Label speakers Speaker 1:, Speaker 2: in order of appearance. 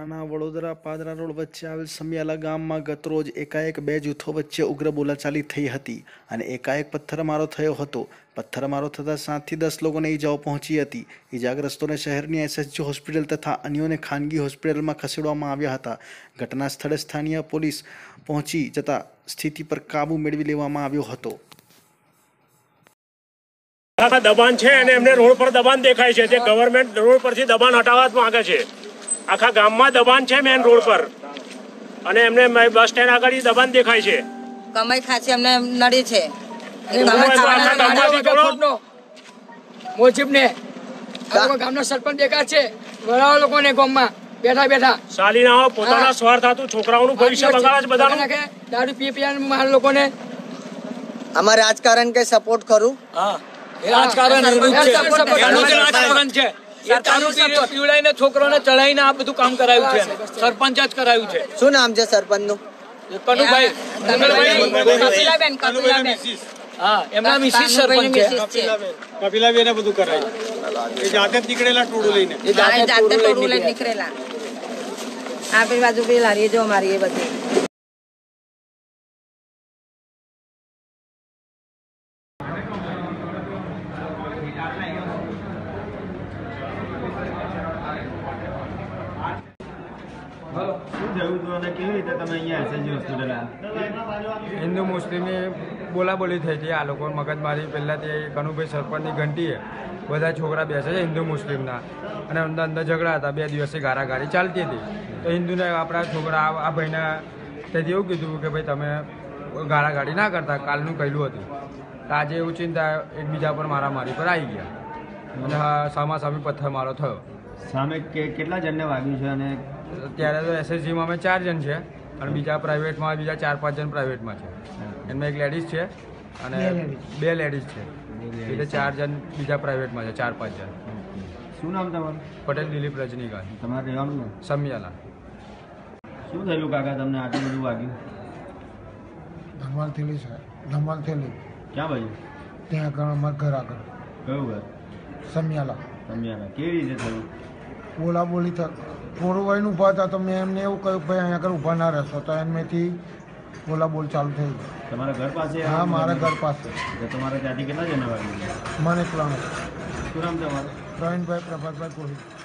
Speaker 1: વડોદરાના વડોદરા પાદરા રોડ વચ્ચે આવેલ સમિયાલા ગામમાં ગતરોજ એકાએક બે જૂથો વચ્ચે ઉગ્ર બોલાચાલી થઈ હતી અને એકાએક પથ્થરમારો થયો હતો। પથ્થરમારો થતાં 7 થી 10 લોકોને ઈજાઓ પહોંચી હતી। ઈજાગ્રસ્તોને શહેરની એસએસજી હોસ્પિટલ તથા અન્યોને ખાનગી હોસ્પિટલમાં ખસેડવામાં આવ્યા હતા। ઘટના સ્થળે સ્થાનિય પોલીસ પહોંચી જતા સ્થિતિ પર કાબુ મેળવી લેવામાં આવ્યો હતો।
Speaker 2: दबाण है અને એમને રોડ પર દબાણ દેખાય છે। તે ગવર્નમેન્ટ રોડ પરથી દબાણ હટાવવા માંગે છે। આખા ગામમાં દબાણ છે મેન રોડ પર અને એમને બસ સ્ટેન્ડ આગળ દબાણ દેખાય છે।
Speaker 3: કમાઈ ખાસી અમને નડી છે।
Speaker 4: મોજીબને ગામનો સરપંચ દેખા છે વડાઓ લોકોને ગામમાં બેઠા બેઠા
Speaker 2: સાલીના પોતાના સ્વાર્થ હતું છોકરાઓનું ભવિષ્ય બગાડે છે બધાનું।
Speaker 4: દારૂ પી માર લોકોને
Speaker 5: આમાં રાજકારણ કે સપોર્ટ કરું।
Speaker 4: હા રાજકારણ છે। પીવડાઈને છોકરોને ચડાઈને આ બધું કામ કરાયું છે। સરપંચ જ કરાયું છે।
Speaker 5: શું નામ છે સરપંચ નું?
Speaker 4: કનુભાઈ હા એમના મિસિસ સરપંચ છે।
Speaker 2: કપિલાબેને બધું કરાયું એ જાતે જ નીકળેલા ટોળું લઈને
Speaker 3: નીકળેલા આ પેલી બાજુ પેલી લારી જો મારી એ બધી
Speaker 6: हिंदू मुस्लिम बोला बोली थी थी आ लोग मगजमारी पहला कनुभाई सरपंच की घंटी बधा छोकरा बेसे हिंदू मुस्लिम अंदर अंदर झगड़ा था। 2 दिवस से गारागारी चालती थी तो हिंदू ने अपना छोकरा आ भाई ने एवं कीधु कि भाई तमे गारागारी ना करता कालनु कहलू हतुं। आज एवं चिंता एकबीजा पर मारामारी पर आई गया અને સામાસામી પથ્થરમારો થયો।
Speaker 7: સામે કેટલા જણને વાગ્યું છે? અને
Speaker 6: અત્યારે તો એસએસજીમાં અમે 4 જણ છે અને બીજા પ્રાઇવેટમાં બીજા 4-5 જણ પ્રાઇવેટમાં છે। એમાં એક લેડીઝ છે અને 2 લેડીઝ છે એટલે 4 જણ બીજા પ્રાઇવેટમાં છે 4-5 જણ।
Speaker 7: શું નામ તમારું?
Speaker 6: પટેલ દિલીપ રજનીકાંત।
Speaker 7: તમારે રહેવાનું?
Speaker 6: સમિયાલા।
Speaker 7: શું થયેલું કાકા તમને આટલું બધું વાગ્યું?
Speaker 8: ધમાલ થયેલી છે। ધમાલ થયેલી
Speaker 7: ક્યાં બાજુ?
Speaker 8: ત્યાં આગળ અમારા ઘર આગળ।
Speaker 7: કયું ઘર?
Speaker 8: સમિયાલા।
Speaker 7: સમિયાલા કેવી રીતે થયું?
Speaker 8: બોલા બોલી થોડું વહીને ઊભા હતા તો મેં એમને એવું કહ્યું ભાઈ અહીંયા આગળ ઊભા ના રહેશો તો એમનેથી બોલા બોલ ચાલુ થઈ ગઈ।
Speaker 7: તમારા ઘર પાસે?
Speaker 8: હા મારા ઘર પાસે।
Speaker 7: તમારા ત્યાંથી કેટલા જણા વાગ્યું?
Speaker 8: મને 3।
Speaker 7: શું નામ તમારું?
Speaker 8: પ્રવીણભાઈ પ્રભાતભાઈ કોહલી।